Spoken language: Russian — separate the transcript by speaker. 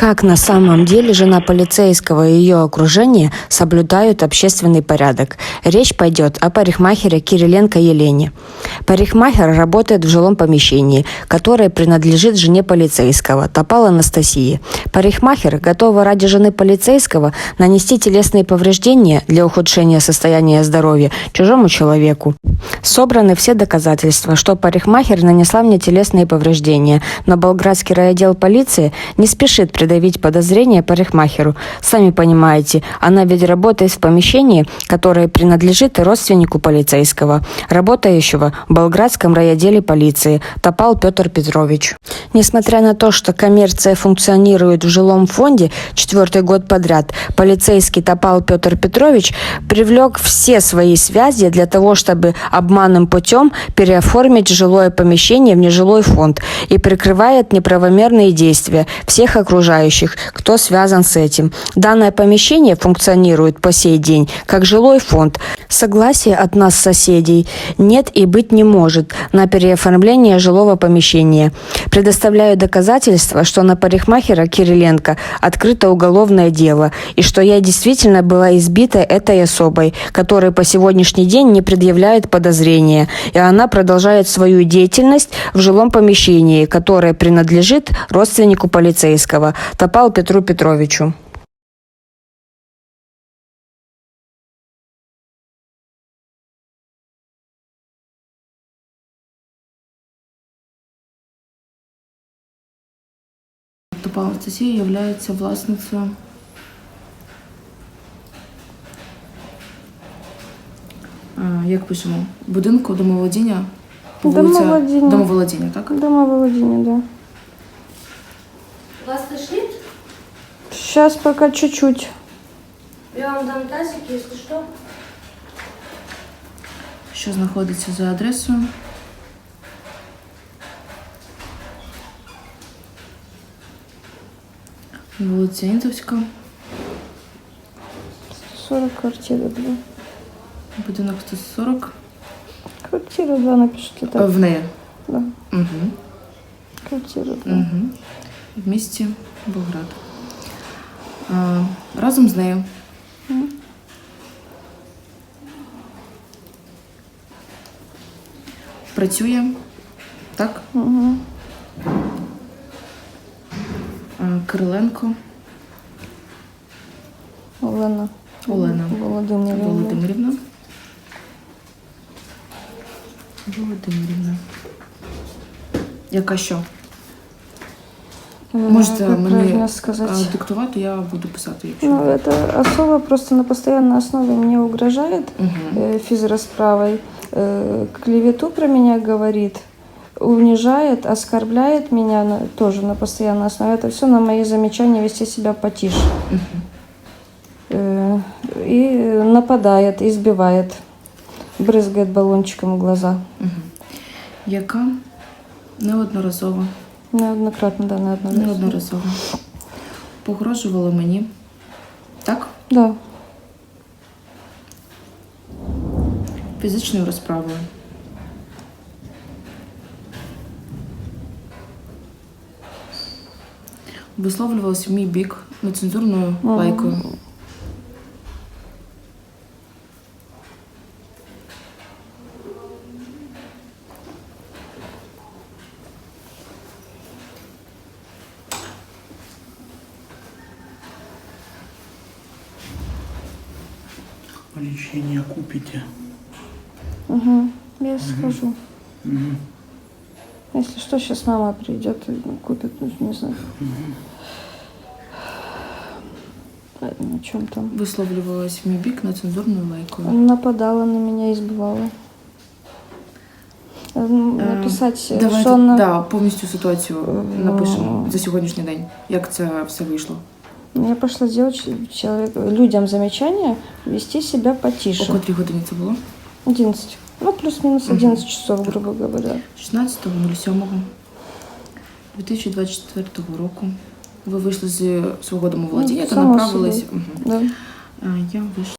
Speaker 1: Как на самом деле жена полицейского и ее окружение соблюдают общественный порядок? Речь пойдет о парикмахере Кириленко Елене. Парикмахер работает в жилом помещении, которое принадлежит жене полицейского, Топал Анастасии. Парикмахер готова ради жены полицейского нанести телесные повреждения для ухудшения состояния здоровья чужому человеку. Собраны все доказательства, что парикмахер нанесла мне телесные повреждения, но Болградский райотдел полиции не спешит предъявить подозрения парикмахеру. Сами понимаете, она ведь работает в помещении, которое принадлежит родственнику полицейского, работающего в Болградском райотделе полиции, Топал Петр Петрович. Несмотря на то, что коммерция функционирует в жилом фонде 4-й год подряд, полицейский Топал Петр Петрович привлек все свои связи для того, чтобы обманным путем переоформить жилое помещение в нежилой фонд и прикрывает неправомерные действия всех окружающих, кто связан с этим. Данное помещение функционирует по сей день как жилой фонд. Согласия от нас, соседей, нет и быть не может на переоформление жилого помещения. Предоставляю доказательства, что на парикмахера Кириленко открыто уголовное дело и что я действительно была избита этой особой, которая по сегодняшний день не предъявляет подозрения, и она продолжает свою деятельность в жилом помещении, которое принадлежит родственнику полицейского, Топал Петру Петровичу.
Speaker 2: Топал Анастасія є власницею як пишемо? Будинку домоволодіння? Домоволодіння, так?
Speaker 3: Домоволодіння, да.
Speaker 4: Вас тошнит?
Speaker 3: Сейчас пока чуть-чуть.
Speaker 4: Я вам дам тазик, если что.
Speaker 2: Що знаходиться за адресою? Вулиця Інтовська.
Speaker 3: 40, квартира 2.
Speaker 2: Будинок 140.
Speaker 3: Квартира 2 напишите так.
Speaker 2: В неї?
Speaker 3: Да.
Speaker 2: Угу.
Speaker 3: Квартира 2.
Speaker 2: Угу. В місті Болград. Разом з нею. Працює, так?
Speaker 3: Угу.
Speaker 2: Кириленко
Speaker 3: Олена.
Speaker 2: Володимирівна. Яка що? Можете мені диктувати, я буду писати. Якщо
Speaker 3: ну, эта особа просто на постоянной основе мне угрожает физрасправой, клевету про меня говорит, унижает, оскорбляет меня тоже на постоянной основе. Это все на мои замечания вести себя потише. И нападает, избивает, брызгает баллончиком в глаза.
Speaker 2: Яка неодноразово.
Speaker 3: Неоднократно, да,
Speaker 2: неодноразово. Погрожувала мені. Так?
Speaker 3: Да.
Speaker 2: Фізичною розправою. Висловлювалася в мій бік нецензурною лайкою.
Speaker 5: Лечение купите?
Speaker 3: Угу. Я схожу. Если что, сейчас мама придет и купит, не знаю. На чем там?
Speaker 2: Висловлювалась в мій бік нецензурною лайкою.
Speaker 3: Нападала на меня, избивала. Написать,
Speaker 2: давайте,
Speaker 3: що вона...
Speaker 2: Да, повністю ситуацію напишемо за сьогоднішній день. Як це все вийшло?
Speaker 3: Я пошла делать людям замечания, вести себя потише.
Speaker 2: О котрій годині це було?
Speaker 3: 11. Ну, плюс-минус 11 часов, грубо говоря.
Speaker 2: 16.07.2024 року. Ви вийшли з свого домоволодіння та направились.
Speaker 3: Да.
Speaker 2: Я вийшла.